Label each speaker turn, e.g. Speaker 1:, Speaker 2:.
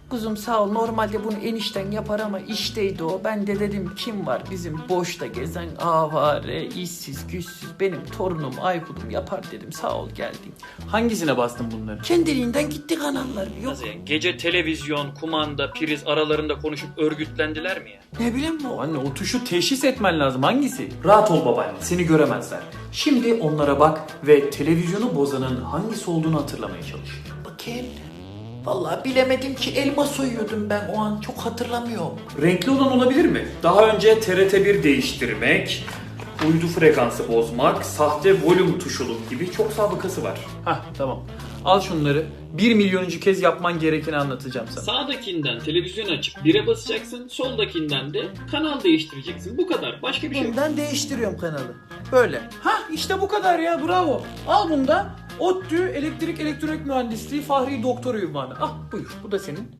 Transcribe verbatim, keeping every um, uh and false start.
Speaker 1: Kuzum sağ ol, normalde bunu enişten yapar ama işteydi o. Ben de dedim kim var bizim boşta gezen avare, işsiz, güçsüz, benim torunum Aykut'um yapar dedim, sağ ol geldin.
Speaker 2: Hangisine bastın bunları?
Speaker 1: Kendiliğinden gitti kanallar, yok.
Speaker 2: Nasıl yani? Gece televizyon, kumanda, priz aralarında konuşup örgütlendiler mi ya?
Speaker 1: Ne bileyim o.
Speaker 2: Anne o tuşu teşhis etmen lazım. Hangisi? Rahat ol babaanne. Seni göremezler. Şimdi onlara bak ve televizyonu bozanın hangisi olduğunu hatırlamaya çalış.
Speaker 1: Bakayım. Vallahi bilemedim ki, elma soyuyordum ben o an, çok hatırlamıyorum.
Speaker 2: Renkli olan olabilir mi? Daha önce T R T bir değiştirmek, uydu frekansı bozmak, sahte volüm tuşuluk gibi çok sabıkası var. Hah tamam. Al şunları. Bir milyonuncu kez yapman gerekeni anlatacağım sana.
Speaker 3: Sağdakinden televizyon açıp bire basacaksın, soldakinden de kanal değiştireceksin. Bu kadar. Başka bir şey yok.
Speaker 1: Bundan değiştiriyorum kanalı. Böyle.
Speaker 2: Hah işte bu kadar ya, bravo. Al bunda. ODTÜ Elektrik Elektronik Mühendisliği Fahri Doktor ünvanı. Ah buyur, bu da senin.